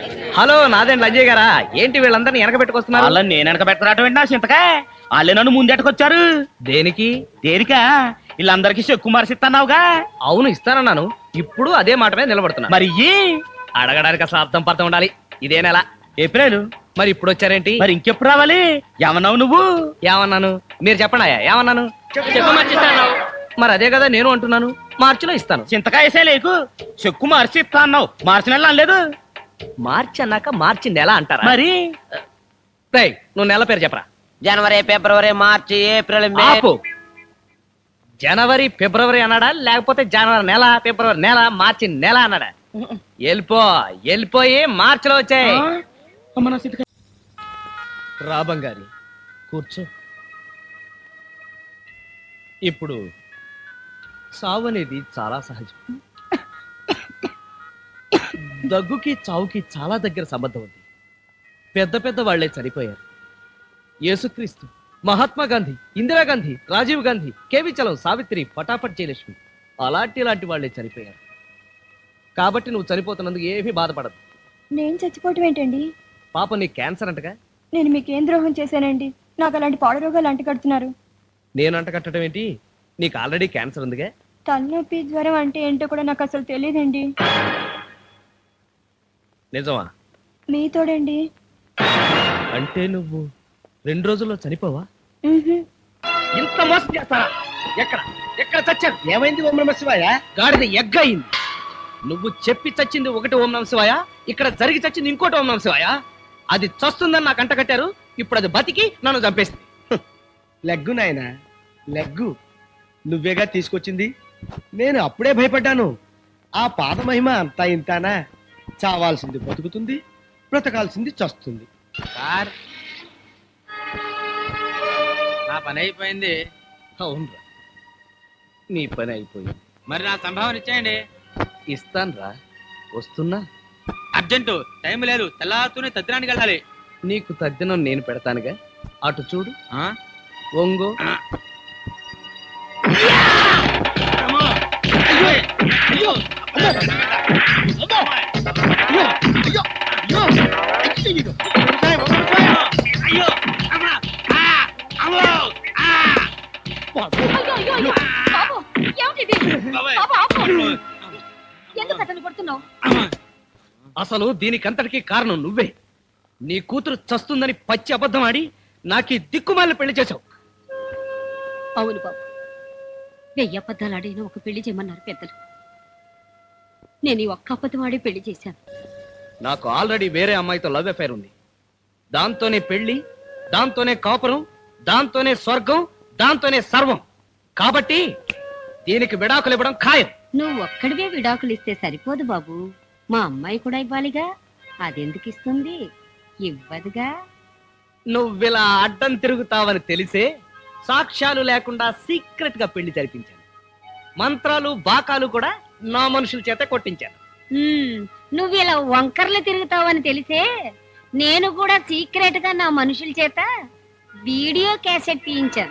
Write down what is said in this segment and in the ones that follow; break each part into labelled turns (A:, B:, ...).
A: Hello నాదేంటి Ajay గారా? ఏంటి వీళ్ళందరినీ వెనక పెట్టుకొస్తున్నారు?
B: వాళ్ళని నేను వెనక పెట్టుకురావటం నా చింతకా వాళ్ళే నన్ను ముందెట్టుకొచ్చారు.
A: దేనికి?
B: దేనికా? వీళ్ళందరికీ చెక్కు మరిసిస్తున్నావుగా.
A: అవును ఇస్తానన్నాను. ఇప్పుడు అదే మాట మీద నిలబడుతున్నా.
B: మరి
A: అడగడానికి అసలు అర్థం పర్థం ఉండాలి. ఇదే నెల
B: ఏప్రిల్.
A: మరి ఇప్పుడు వచ్చారేంటి?
B: మరి ఇంకెప్పుడు రావాలి? ఏమన్నావు నువ్వు?
A: ఏమన్నాను? మీరు చెప్పండి. ఏమన్నాను?
B: చెక్కు మర్చిస్తాను.
A: మరి అదే కదా నేను అంటున్నాను. మార్చిలో ఇస్తాను.
B: చింతకాయ వేసే లేకు చెక్కు మార్చి ఇస్తా అన్నావు. మార్చి నెల అనలేదు.
A: మార్చి అన్నాక మార్చి నెల అంటారా?
B: మరి
A: నువ్వు నెల పేరు చెప్పరా.
C: జనవరి, ఫిబ్రవరి, మార్చి, ఏప్రిల్, మే.
A: ఆపు. జనవరి ఫిబ్రవరి అన్నాడా, లేకపోతే జనవరి నెల, ఫిబ్రవరి నెల, మార్చి నెల అన్నాడా? వెళ్ళిపోయి మార్చిలో వచ్చాయి. రా బంగారి, కూర్చో. ఇప్పుడు సావు అనేది చాలా సహజం. దగ్గుకి చావుకి చాలా దగ్గర సంబంధం ఉంది. పెద్ద పెద్ద వాళ్లే చనిపోయారు. యేసుక్రీస్తు, మహాత్మా గాంధీ, ఇందిరాగాంధీ, రాజీవ్ గాంధీ, కేవి చలం, సావిత్రి, పటాపట్ జయలక్ష్మి ఇలాంటి వాళ్ళే చనిపోయారు. కాబట్టి నువ్వు చనిపోతున్నందుకు ఏమీ బాధపడదు.
D: నేను చచ్చిపోవటం ఏంటండి?
A: పాప నీకు క్యాన్సర్ అంటగా.
D: నేను మీకేం ద్రోహం చేశానండి? నాకు అలాంటి పాడు రోగాలు అంటగడుతున్నారు.
A: నేను అంటకట్టడం ఏంటి? నీకు ఆల్రెడీ క్యాన్సర్ ఉందిగా.
D: తలనొప్పి, జ్వరం అంటే ఏంటో కూడా నాకు అసలు తెలియదండి.
A: నిజమా?
D: మీతోడండి.
A: అంటే నువ్వు 2 రోజుల్లో చనిపోవా?
B: ఇంత మోసం చేస్తారా? ఎక్కడ ఎక్కడ చచ్చారు? ఏమైంది? ఓం నమః శివాయ.
A: గాడిద ఎగ్గయింది. నువ్వు చెప్పి చచ్చింది ఒకటి ఓం నమః శివాయ, ఇక్కడ జరిగి చచ్చింది ఇంకోటి ఓం నమః శివాయ. అది చస్తుందని నాకు అంట కట్టారు. ఇప్పుడు అది బతికి నన్ను చంపేస్తుంది.
E: లెగ్గు నాయనా, లెగ్గు నువ్వేగా తీసుకొచ్చింది. నేను అప్పుడే భయపడ్డాను. ఆ పాద మహిమ అంతా ఇంతానా? చావాల్సింది బతుకుతుంది, బ్రతకాల్సింది చస్తుంది.
C: సార్, నా పని అయిపోయింది.
A: అవునరా, నీ పని అయిపోయింది.
C: మరి నా సంభావన ఇచ్చేయండి.
A: ఇస్తాన్రా, వస్తున్నా.
C: అర్జెంటు, టైం లేదు. తెల్లారుతూనే తద్దినానికి వెళ్ళాలి.
A: నీకు తద్దినం నేను పెడతానుగా. అటు చూడు.
C: ఆ?
A: ఒంగో. అసలు దీనికంతటికీ కారణం నువ్వే. నీ కూతురు చస్తుందని పచ్చి అబద్ధం ఆడి నాకు ఈ దిక్కుమాలిన పెళ్లి చేశావు.
F: అవును బాబు, 1000 అబద్ధాలు ఆడిన ఒక పెళ్లి చేయమన్నారు పెద్దలు. నేను ఈ ఒక్క అబద్ధం ఆడి పెళ్లి చేశాను.
A: నాకు ఆల్రెడీ వేరే అమ్మాయితో లవ్ అఫైర్ ఉంది. దాంతోనే పెళ్లి, దాంతోనే కాపురం, దాంతోనే స్వర్గం, దాంతోనే సర్వం. కాబట్టి దీనికి విడాకులు ఇవ్వడం ఖాయం.
F: నువ్వు ఒక్కడివే విడాకులు ఇస్తే సరిపోదు బాబు, మా అమ్మాయి కూడా ఇవ్వాలిగా. అదెందుకు ఇస్తుంది? ఇవ్వదుగా.
A: నువ్విలా అడ్డం తిరుగుతావని తెలిసే సాక్ష్యాలు లేకుండా సీక్రెట్ గా పెళ్లి జరిపించాను. మంత్రాలు బాకాలు కూడా నా మనుషుల చేత కొట్టించాను.
F: నువ్వు ఇలా వంకర్లు తిరుగుతావని తెలిసే నేను కూడా సీక్రెట్ గా నా మనుషుల చేత వీడియో క్యాసెట్ తీయించాను.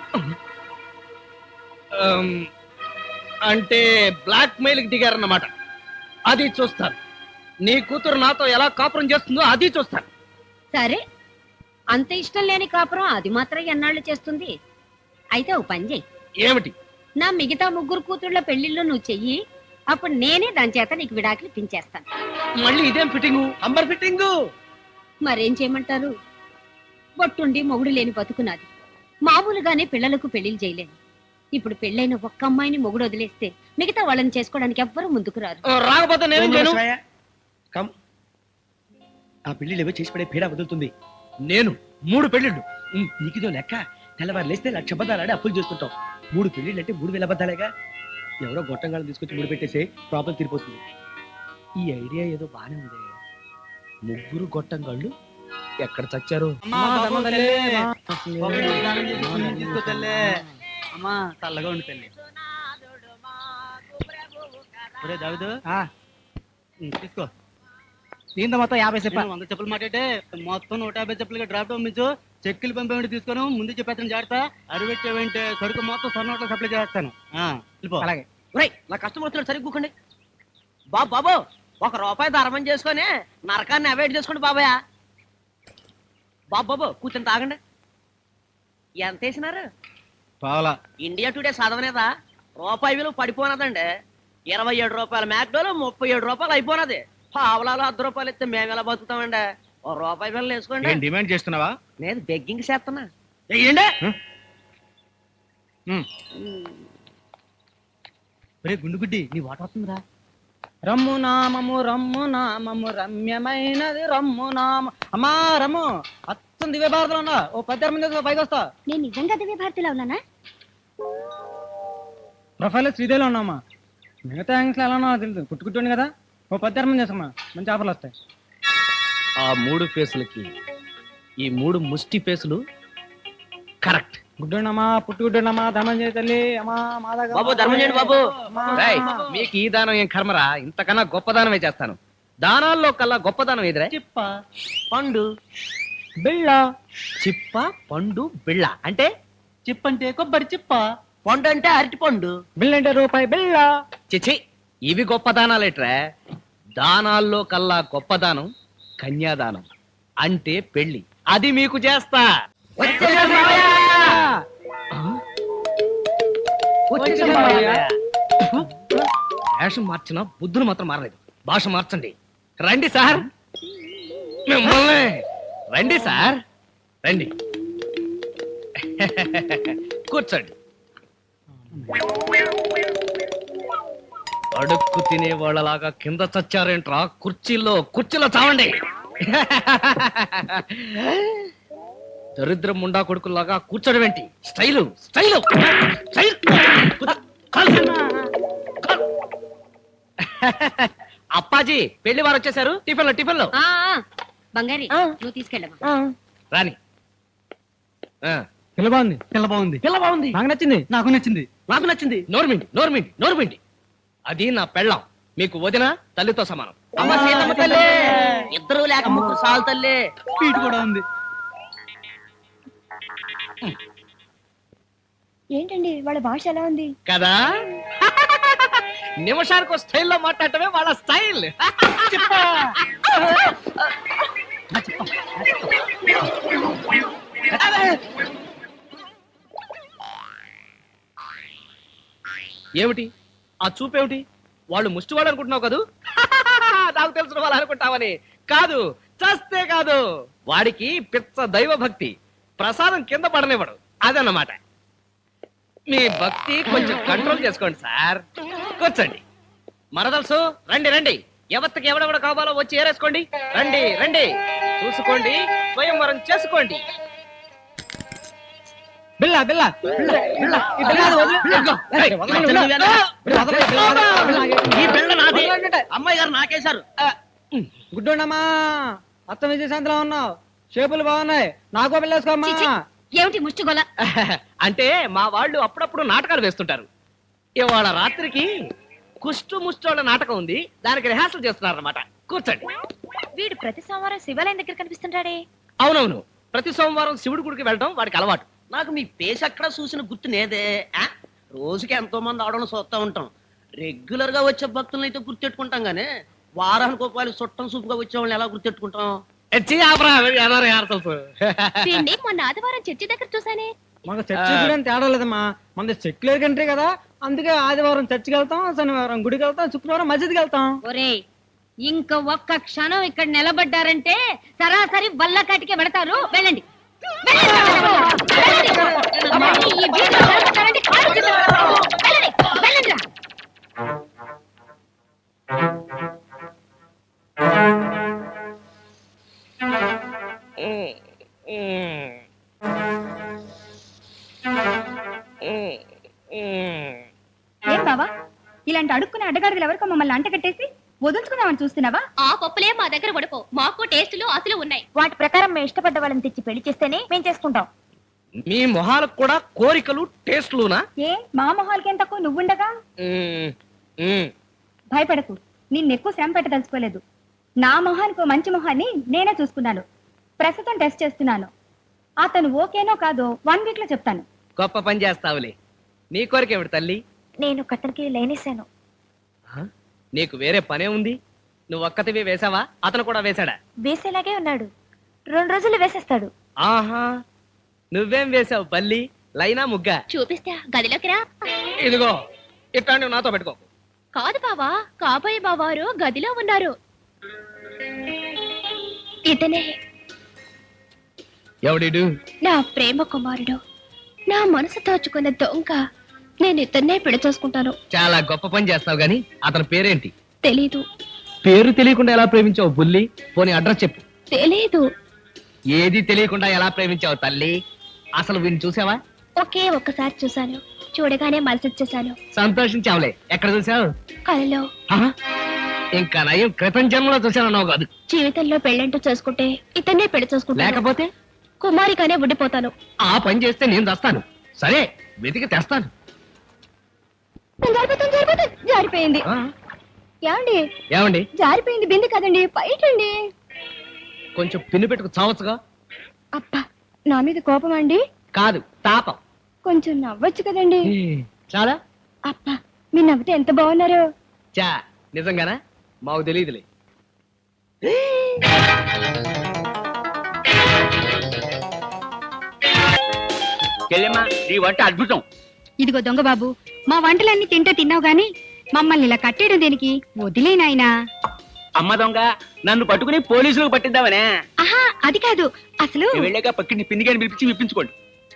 A: అంటే బ్లాక్ మెయిల్ కి దిగారన్నమాట. అది చూస్తాను. నీ కూతురు నాతో ఎలా కాపురం చేస్తుందో అది చూస్తాను.
F: సరే, అంత ఇష్టం లేని కాపురం అది మాత్రం ఎన్నాళ్ళు చేస్తుంది? అయితే ఓ పని చెయ్యి.
A: ఏమిటి?
F: నా మిగతా 3 కూతుళ్ళ పెళ్లిళ్ళు నువ్వు చెయ్యి. అప్పుడు నేనే దాని చేత నీకు విడాకులు పించేస్తాను.
A: మళ్ళీ ఇదేం ఫిట్టింగు? Amber fitting.
F: మరేం చేయమంటారు? బొట్టుండి మొగుడు లేని బతుకున్నది. మామూలుగానే పిల్లలకు పెళ్లిళ్ళు చేయలేను. ఇప్పుడు పెళ్ళైన ఒక్క అమ్మాయిని మొగుడు వదిలేస్తే మిగతా వాళ్ళని చేసుకోవడానికి ఎవ్వరూ ముందుకు రారు.
A: రాకపోతే నేనేం చేయను?
E: కమ్, ఆ పెళ్లిళ్ళు ఏవో చేసి పడే పీడ వదులుతుంది.
A: నేను 3 పెళ్లిళ్ళు.
E: నీకిదో లెక్క. తెల్లవారు లేస్తే 1,00,000 అబద్ధాలు ఆడి అప్పులు చేస్తుంటాం. 3 పెళ్లిళ్ళు అంటే 3,000 అబద్ధాలేగా. ఎవరో గొట్టంగాళ్ళు తీసుకొచ్చి ముడి పెట్టేసి ప్రాబ్లం తీరిపోతుంది. ఈ ఐడియా ఏదో బానే ఉంది. 3 గొట్టంగాళ్ళు ఎక్కడ చచ్చారు?
C: చల్లగా ఉండి తల్లి. తీసుకో.
B: దీంతో మొత్తం 50 చెప్పాలి.
C: 100 చెప్పులు మాట్లాడితే మొత్తం 150 చెప్పులుగా డ్రాప్ పంపించు. చెక్కులు పంపేమిటి తీసుకోను. ముందు చెప్పేస్తాను జాగ్రత్త. అడిపెట్టేవంటే సరుకు మొత్తం సొన్నోట్లో సప్లై చేస్తాను.
B: అలాగే. నా కస్టమర్ వస్తున్నాడు, సరిగ్గా కూకండి. బాబు
G: ₹1 ధర్మం చేసుకొని నరకాన్ని అవాయిడ్ చేసుకోండి బాబాయ్. బాబు కూర్చొని తాగండి. ఎంత వేసినారు?
C: పావలా.
G: ఇండియా టుడే చదవనేదా? రూపాయి విలువ పడిపోనదండి. ₹27 మ్యాక్డోలు ₹37 అయిపోనది. పావలాలు ₹10 ఇస్తే మేము ఎలా బతుకుతామండి? ₹1 బిల్లు వేసుకోండి.
C: డిమాండ్ చేస్తున్నావా?
G: నేను బెగ్గింగ్ చేస్తున్నా.
C: గుండు గుడ్డి నీ వాట వస్తుందిరా. రమ్ము నామము రమ్యమైనది రమ్ము నామ. అమ్మా రమ్ము అత్తం దివ్య భారతలో ఉన్నా. ఓ 10 మంది పైకి వస్తా.
F: నేను నిజంగా దివ్య భారతిలో ఉన్నానా?
C: ప్రొఫైల్ శ్రీదేవిలో ఉన్నామా. మిగతా యాంగ్స్ ఎలా ఉన్నా తెలుసు. కుట్టుకుంటుంది కదా. ఓ 10 మంది వేసుకోమా. మంచి ఆఫర్లు వస్తాయి.
A: ఆ 3 ఫేసులకి ఈ 3 ముష్టి ఫేసులు కరెక్ట్.
C: గుడ్డున్నమా పుట్టుగుడ్డున్నమా ధర్మం చేయ తల్లి. అమ్మా మాదాగా
G: బాబు ధర్మం చేయండి బాబు.
A: రేయ్, మీకు ఈ దానం ఏం కర్మరా? ఇంతకన్నా గొప్ప దానమే చేస్తాను. దానాల్లో కల్లా గొప్ప దానం ఎదురే
C: చిప్ప
A: పండు
C: బిళ్ళ.
A: చిప్ప పండు బిళ్ళ అంటే
C: చిప్పంటే కొబ్బరి చిప్ప.
G: పండు అంటే అరటి పండు.
C: బిళ్ళ అంటే రూపాయి బిళ్ళ.
A: చిచి, ఇవి గొప్ప దానాలేట్రా? దానాల్లో కల్లా గొప్ప దానం కన్యాదానం అంటే పెళ్లి. అది మీకు చేస్తా. వేషం మార్చినా బుద్ధులు మాత్రం మారలేదు. భాష మార్చండి. రండి సార్, మిమ్మల్ని రండి సార్, రండి. కూర్చోండి. అడుక్కు తినే వాళ్ళలాగా కింద చచ్చారేంట్రా? కుర్చీలో చావండి. దరిద్రం ముండా కొడుకులాగా కూర్చోడం ఏంటి? Style style style. అప్పాజీ పెళ్లి వారు వచ్చేసారు. టిఫిన్లో
F: బంగారి నువ్వు తీసుకెళ్ళమా.
A: రాని.
C: పిల్ల బాగుంది.
A: పిల్ల బాగుంది.
C: నాకు నచ్చింది.
G: నాకు నచ్చింది.
A: నోర్మిండి. అది నా పెళ్ళాం. మీకు వదిన తల్లితో సమానం.
G: అమ్మ సీతమ్మ తల్లి. ఇద్దరు లేక ముగ్గురు సాలు తల్లి.
C: స్వీట్ కూడా ఉంది.
D: ఏంటండి వాళ్ళ భాష ఎలా ఉంది
A: కదా? నిమిషానికి స్టైల్లో మాట్లాడటమే వాళ్ళ స్టైల్. ఏమిటి ఆ చూపేమిటి? వాళ్ళు ముష్టివాడు అనుకుంటున్నావు కదూ? నాకు తెలిసిన వాళ్ళు అనుకుంటావని కాదు, చస్తే కాదు. వాడికి పిచ్చ దైవ భక్తి. ప్రసాదం కింద పడనివ్వడు. అదన్నమాట. మీ భక్తి కొంచెం కంట్రోల్ చేసుకోండి సార్. కూర్చోండి. మరదలుసు రండి. ఎవరికి ఎవడెవడ కావాలో వచ్చి ఏరేసుకోండి. రండి. చూసుకోండి, స్వయంవరం చేసుకోండి.
C: బిళ్ళ
G: ఈ బిళ్ళ నాది. అమ్మాయి గారు నాకేశారు.
C: గుడ్డున్నమా అత్త విజయశాంతిలో ఉన్నావు. షేపులు బాగున్నాయి. నాకో పిల్లేసుకోమ్మా.
F: ఏమిటి ముష్టిగొల?
A: అంటే మా వాళ్ళు అప్పుడప్పుడు నాటకాలు వేస్తుంటారు. ఇవాళ రాత్రికి కుష్టు ముష్టోళ్ళ నాటకం ఉంది. దానికి రిహార్సల్ చేస్తున్నారన్నమాట. కూర్చోండి.
D: వీడు ప్రతి సోమవారం శివాలయం దగ్గర కనిపిస్తుంటాడే.
A: అవునవును, ప్రతి సోమవారం శివుడి గుడికి వెళ్ళడం వాడికి అలవాటు.
G: నాకు మీ పేస్ ఎక్కడ చూసిన గుర్తు నేదే. రోజుకి ఎంతో మంది ఆడడం చూస్తా ఉంటాం. రెగ్యులర్ గా వచ్చే భక్తులను అయితే గుర్తెట్టుకుంటాం గానీ వారానికి రూపాయలు చుట్టం సూపుగా వచ్చే వాళ్ళని ఎలా గుర్తెట్టుకుంటాం?
F: వీణ్ణి మొన్న ఆదివారం చర్చి దగ్గర చూసానే.
C: మనకు చర్చి గురించి తేడా లేదమ్మా. మన సెక్యులర్ కంట్రీ కదా. అందుకే ఆదివారం చర్చికి వెళ్తాం, శనివారం గుడికి వెళ్తాం, శుక్రవారం మస్జిద్కి వెళ్తాం.
F: ఒరేయ్, ఇంక ఒక్క క్షణం ఇక్కడ నిలబడ్డారంటే సరాసరి వల్లకాటికే పెడతారు. వెళ్ళండి. మళ్ళీ ఈ వీధిలో నిలబడ్డారంటే కాళ్ళు చేతులు పెడతారు. వెళ్ళండి రా.
D: ఏం బావా ఇలాంటి అడుక్కునే అడ్డగాడిదలు ఎవరికో మమ్మల్ని అంట కట్టేసి వదులుచుకుందామని చూస్తున్నావా?
F: ఆ పప్పులే మా దగ్గర పడుకో. మాకు టేస్టులు అసలు ఉన్నాయి.
D: వాటి ప్రకారం మేము ఇష్టపడ్డ వాళ్ళని తెచ్చి పెళ్లి చేస్తేనే మేము చేసుకుంటాం.
A: మీ మొహాలకు కూడా కోరికలు టేస్ట్లునా?
D: ఏ మా మొహాలకేం తక్కువ నువ్వుండగా? భయపడకు, నిన్ను ఎక్కువ శ్రమ పెట్టదలుచుకోలేదు. నా మొహానికి ఓ మంచి మొహాన్ని నేనే చూసుకున్నాను. ప్రస్తుతం టెస్ట్ చేస్తున్నాను. అతను ఓకేనో కాదో 1 వీక్ లో చెప్తాను.
A: గొప్ప పని చేస్తావులే. నీ కోరికేమిటి తల్లి?
D: నేను కట్టనికి లేనేశాను.
A: నీకు వేరే పనే ఉంది? నువ్వు ఒక్కతివి వేసావా అతను కూడా వేశాడా?
D: వేసేలాగే ఉన్నాడు. 2 రోజులు వేసేస్తాడు.
A: ఆహా, నువ్వేం వేసావు బల్లి? లైనా ముగ్గా?
F: చూపిస్తా గదిలోకి రా.
A: ఇదిగో ఇట్లాంటివి నాతో పెట్టుకో.
F: కాదు బావా, కాబోయే బావారు గదిలో ఉన్నారు. ఇతనే
A: ఎవడిడు?
F: నా ప్రేమ కుమారుడు, నా మనసు దోచుకున్న దొంగ. నేను ఇతన్నే పెళ్లి చేసుకుంటాను.
A: చాలా గొప్ప పని చేస్తావు గాని అతని పేరేంటి?
F: తెలీదు.
A: పేరు తెలియకుండా ఎలా ప్రేమించావు బుల్లి? పోనీ అడ్రస్ చెప్పు.
F: తెలీదు.
A: ఏది తెలియకుండా ఎలా ప్రేమించావు తల్లి? అసలు వీడిని చూసావా?
F: ఒకే ఒక్కసారి చూశాను. చూడగానే మనసొచ్చేసాను.
A: సంతోషించావులే. ఎక్కడ చూసావు?
F: కలలో.
A: ఆహా, ఇంకా నయం క్రితం జన్మలో చూసానన్నావు కాదు.
F: జీవితంలో పెళ్ళంటూ చేసుకుంటే ఇతన్నే పెళ్లి చేసుకుంటాను.
A: లేకపోతే
F: కుమారిగానే ఉండిపోతాను.
A: ఆ పని చేస్తే నేను తెస్తాను. సరే, వెతికి తెస్తాను.
D: జారిపోయింది.
A: ఆ,
D: ఏమండి?
A: ఏమండి?
D: జారిపోయింది బింది కదండి, పైటండి.
A: కొంచెం పిన్ను పెట్టుకు చావచ్చుగా.
D: అబ్బా, నా మీద కోపం అండి?
A: కాదు, తాపం.
D: కొంచెం నవ్వొచ్చు కదండి.
A: చాలా.
D: అబ్బా, మీ నవ్వుతే ఎంత బాగున్నారు.
A: చా, నిజంగానా? మాకు తెలియదులే.
B: చెల్లెమ్మా ఈ వంట అద్భుతం.
D: ఇదిగో దొంగ బాబు, మా వంటలన్నీ తింటే తిన్నావు గాని మమ్మల్ని ఇలా కట్టేయడం దేనికి? వదిలేనాయనా.
B: అమ్మ దొంగ, నన్ను పట్టుకుని పోలీసులకు పట్టిద్దామనే.
D: ఆహా, అది కాదు. అసలు
B: వెళ్ళాక పక్కింటి పిండిగాని పిలిపించి విప్పించుకోండి.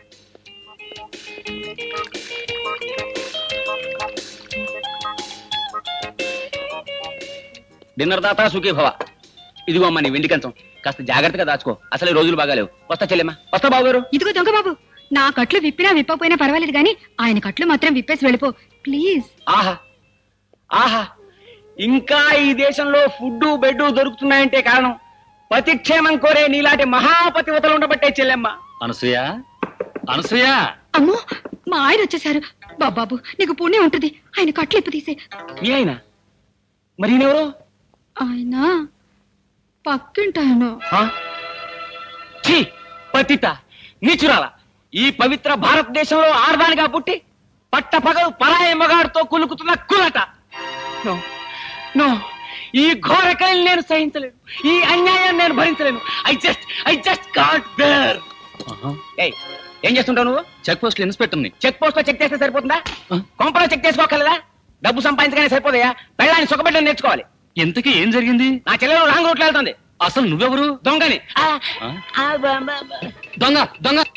B: డిన్నర్ దాతా సుఖీ భవ. ఇదిగో అమ్మ నీ వెండి కంచం. కాస్త జాగ్రత్తగా దాచుకో. అసలు ఈ రోజులు బాగాలేవు. వస్తా చెల్లెమ్మా. వస్తా బాబు గారు.
D: ఇదిగో దొంగ బాబు, నా కట్లు విప్పినా విప్పకపోయినా పర్వాలేదు గాని ఆయన కట్లు మాత్రం విప్పేసి వెళ్ళిపో ప్లీజ్.
B: ఆహా ఆహా, ఇంకా ఈ దేశంలో ఫుడ్ బెడ్ దొరుకుతున్నాయంటే కారణం పతిక్షేమం కోరే నీలాంటి మహాపతివతలు ఉండబట్టే చెల్లెమ్మ.
H: అనసూయ, అనసూయ,
D: అమ్మో, మా ఆయన వచ్చేసారు. బాబాబు, నీకు పుణ్యం ఉంటుంది. ఆయన కట్లు ఇప్పు తీసే.
B: మీ ఆయన మరి ఈయనెవరు?
D: ఆయన పక్కింటాయన.
B: ఛీ, పతిత నీచురాల. ఈ పవిత్ర భారతదేశంలో ఆర్దానిగా పుట్టి పట్టపగలు పరాయి మగాడితో కులుకుతున్న కులట. నో నో, ఈ ఘోర కళని నేను సహించలేను. ఈ అన్యాయం నేను భరించలేను. I just can't bear. ఏయ్, ఏం చేస్తుంటావు నువ్వు?
H: చెక్ పోస్ట్ ఇన్స్పెక్టర్ ని.
B: చెక్ పోస్ట్ లో చెక్ చేస్తే సరిపోతుందా? కొంపలో చెక్ చేసుకోగలదా? డబ్బు సంపాదించగానే సరిపోదయా? పెళ్ళాన్ని సుఖపెట్టడం నేర్చుకోవాలి.
H: ఇంతకీ ఏం జరిగింది?
B: నా చెల్లెలు రాంగ్ రూట్లో వెళ్తుంది.
H: అసలు నువ్వెవరు?
B: దొంగని.
H: దొంగ, దొంగ.